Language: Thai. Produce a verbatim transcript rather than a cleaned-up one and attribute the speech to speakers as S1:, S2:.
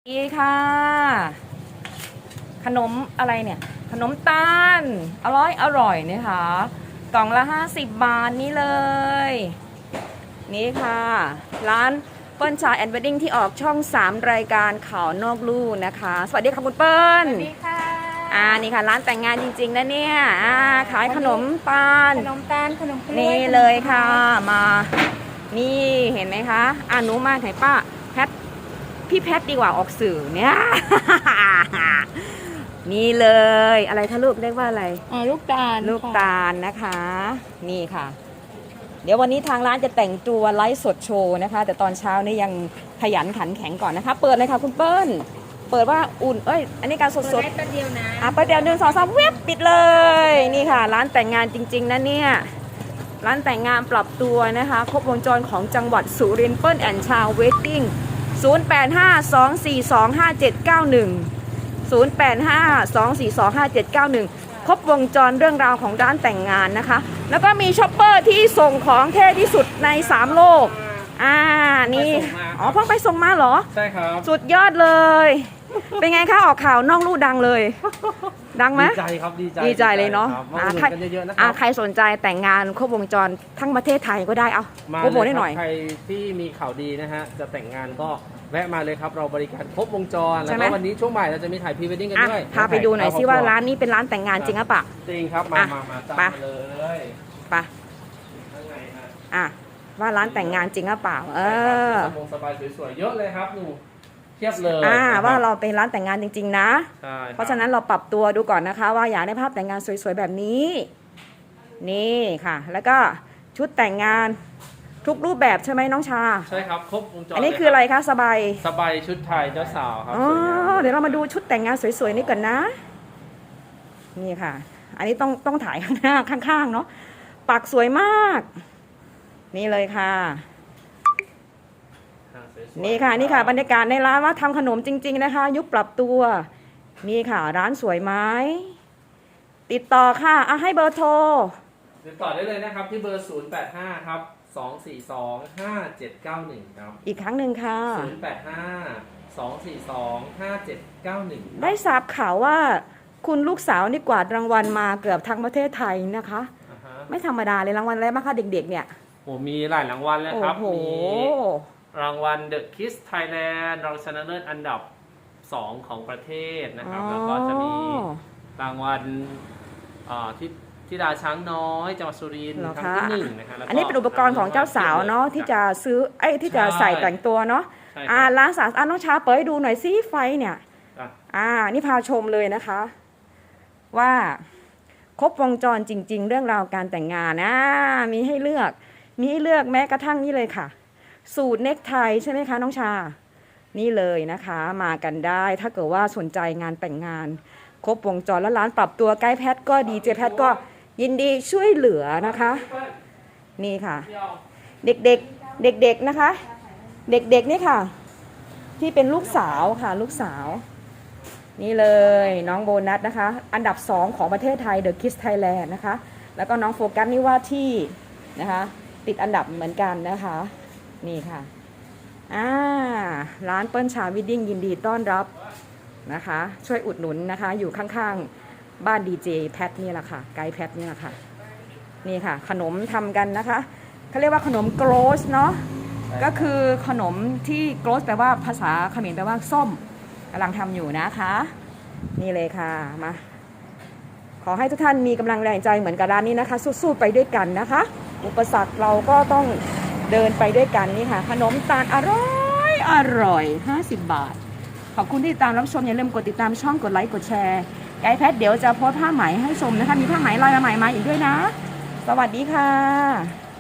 S1: ดีค่ะขนมอะไรเนี่ยขนมตาลอร่อยอร่อยนะคะกล่องละห้าสิบบาทนี้เลยนี่ค่ะร้านเปิ้ลชาแอนด์เวดดิ้งที่ออกช่องสามรายการข่าวนอกลู่นะคะสวัสดีค่ะคุณเปิ้ล
S2: สวัสดีค่ะ
S1: อ่านี่ค่ะร้านแต่งงานจริงๆนะเนี่ยอ่าขายขนมตาล
S2: ขนมตาลขนมกล้วย
S1: นี่เลยค่ะมานี่เห็นไหมคะอ่าหนูมาไหนป้าแพทพี่แพทดีกว่าออกสื่อเนี่ย นี่เลยอะไรคะลูกเรียกว่าอะไร
S2: อ๋อลูกตาล
S1: ลูกตาลนะคะนี่ค่ะเดี๋ยววันนี้ทางร้านจะแต่งตัวไลฟ์สดโชว์นะคะแต่ตอนเช้านี่ยังขยันขันแข็งก่อนนะคะเปิดเลยค่ะคุณเปิ้ลเปิดว่าอุ่นเอ้ยอันนี้การสดสด
S2: แป๊บเดียวนะ
S1: อ่ะประเดี๋ยวหนึ่งสองสามเว็บปิดเลยนี่ค่ะร้านแต่งงานจริงๆนะเนี่ยร้านแต่งงานปรับตัวนะคะครบวงจรของจังหวัดสุรินทร์เปิ้ลแอนด์ชาวเวดดิ้งศูนย์ แปด ห้า สอง สี่ สอง ห้า เจ็ด เก้า หนึ่ง ศูนย์ แปด ห้า สอง สี่ สอง ห้า เจ็ด เก้า หนึ่งครบวงจรเรื่องราวของร้านแต่งงานนะคะแล้วก็มีช็อปเปอร์ที่ส่งของเท่ที่สุดในสามโลกอ่านี่อ๋อเพิ่งไปส่งมาเหรอ
S3: ใช่ครับ
S1: สุดยอดเลยเป็นไงคะออกข่าวนอกลู่ดังเลยดังไหม
S3: ดีใจครับดีใจ
S1: ดีใจเลยเนาะ
S3: มาอุดหนุนกันเยอะๆนะครับ
S1: ใครสนใจแต่งงานครบวงจรทั้งประเทศไทยก็ได้เอา
S3: มา
S1: โปรโมทให้หน่อย
S3: ใครที่มีข่าวดีนะฮะจะแต่งงานก็แวะมาเลยครับเราบริการครบวงจรแล้วก็วันนี้ช่วงบ่ายเราจะมีถ่ายพรีเวดดิ้งกันด้วย
S1: พาไปดูหน่อยซิว่าร้านนี้เป็นร้านแต่งงานจริงหรือเปล่า
S3: จริงครับมามามาตามเลย
S1: ไป
S3: ข้างในฮะ
S1: อ่ะว่าร้านแต่งงานจริงหรือเปล่าเออ
S3: สบงสบายสวยๆเยอะเลยครับดูเทียบเลย
S1: อ่าว่าเราเป็นร้านแต่งงานจริงๆนะ
S3: ใช่
S1: เพราะฉะนั้นเราปรับตัวดูก่อนนะคะว่าอยากได้ภาพแต่งงานสวยๆแบบนี้นี่ค่ะแล้วก็ชุดแต่งงานทุกรูปแบบใช่ไหมน้องชา
S3: ใช่ครับครบวงจร
S1: อันนี้คืออะไรคะสบาย
S3: สบายชุดไทยเจ้าสาวครับ
S1: อ๋อเดี๋ยวเรามาดูชุดแต่งงานสวยๆนี่ก่อนนะนี่ค่ะอันนี้ต้องต้องถ่ายข้างหน้าข้างๆเนาะปักสวยมากนี่เลยค่ะนี่ค่ะนี่ค่ะบรรยากาศในร้านว่าทำขนมจริงๆนะคะยุคปรับตัวนี่ค่ะร้านสวยไหมติดต่อค่ะอ่ะให้เบอร์โทร
S3: ติดต่อได้เลยนะครับที่เบอร์ศูนย์ แปด ห้าครับสอง สี่ สอง ห้า เจ็ด เก้า หนึ่งครับ
S1: อีกครั้งหนึ่งค่ะ
S3: ศูนย์ แปด ห้า สอง สี่ สอง ห้า เจ็ด เก้า หนึ่ง
S1: ได้ทราบข่าวว่าคุณลูกสาวนี่กวาดรางวัลมาเกือบทั้งประเทศไทยนะคะ
S3: uh-huh.
S1: ไม่ธรรมดาเลยรางวัลอะไรบ้างคะเด็กๆเนี่ย
S3: โอ้มีหลายรางวัลเลยครับมีรางวัล The Kiss Thailand รองชนะเลิศอันดับสองของประเทศนะครับแล้วก็จะมีรางวัลที่ธิดาช้างน้อยจังหวัดสุรินทร์ครั้งที่หนึ่งนะคะ
S1: อันนี้เป็นอุปกรณ์ของเจ้าสาวเนาะที่จะซื้อไอ้ที่จะใส่แต่งตัวเนาะอ่าร้านสาวอ่าน้องช้าเปิดให้ดูหน่อยซิไฟเนี่ยอ่านี่พาชมเลยนะคะว่าครบวงจรจริงๆเรื่องราวการแต่งงานนะมีให้เลือกมีให้เลือกแม้กระทั่งนี่เลยค่ะสูตรเน็กไทใช่ไหมคะน้องชานี่เลยนะคะมากันได้ถ้าเกิดว่าสนใจงานแต่งงานครบวงจรแล้วร้านปรับตัวใกล้แพทก็ดีเจแพทก็ยินดีช่วยเหลือนะคะนี่ค่ะเด็กๆเด็กๆนะคะเด็กๆนี่ค่ะที่เป็นลูกสาวค่ะลูกสาวนี่เลยน้องโบนัสนะคะอันดับสองของประเทศไทย The Kiss Thailand นะคะแล้วก็น้องโฟกัสนี่ว่าที่นะคะติดอันดับเหมือนกันนะคะนี่ค่ะอ่าร้านเปิ้ลชาวิดดิ้งยินดีต้อนรับนะคะช่วยอุดหนุนนะคะอยู่ข้างๆบ้านดีเจแพทนี่แหละค่ะไกด์แพทนี่แหละค่ะนี่ค่ะขนมทำกันนะคะเขาเรียกว่าขนมโกรสเนาะก็คือขนมที่โกรสแปลว่าภาษาเขมรแปลว่าส้มกำลังทำอยู่นะคะนี่เลยค่ะมาขอให้ทุกท่านมีกำลังแรงใจเหมือนกับร้านนี้นะคะสู้ๆไปด้วยกันนะคะอุปสรรคเราก็ต้องเดินไปด้วยกันนี่ค่ะขนมตาลอร่อยอร่อยห้าสิบบาทขอบคุณที่ติดตามรับชมอย่าลืมกดติดตามช่องกดไลค์กดแชร์ไกด์แพทเดี๋ยวจะโพสต์ผ้าไหมให้ชมนะคะมีผ้าไหมลายใหม่มาอีกด้วยนะสวัสดีค่ะ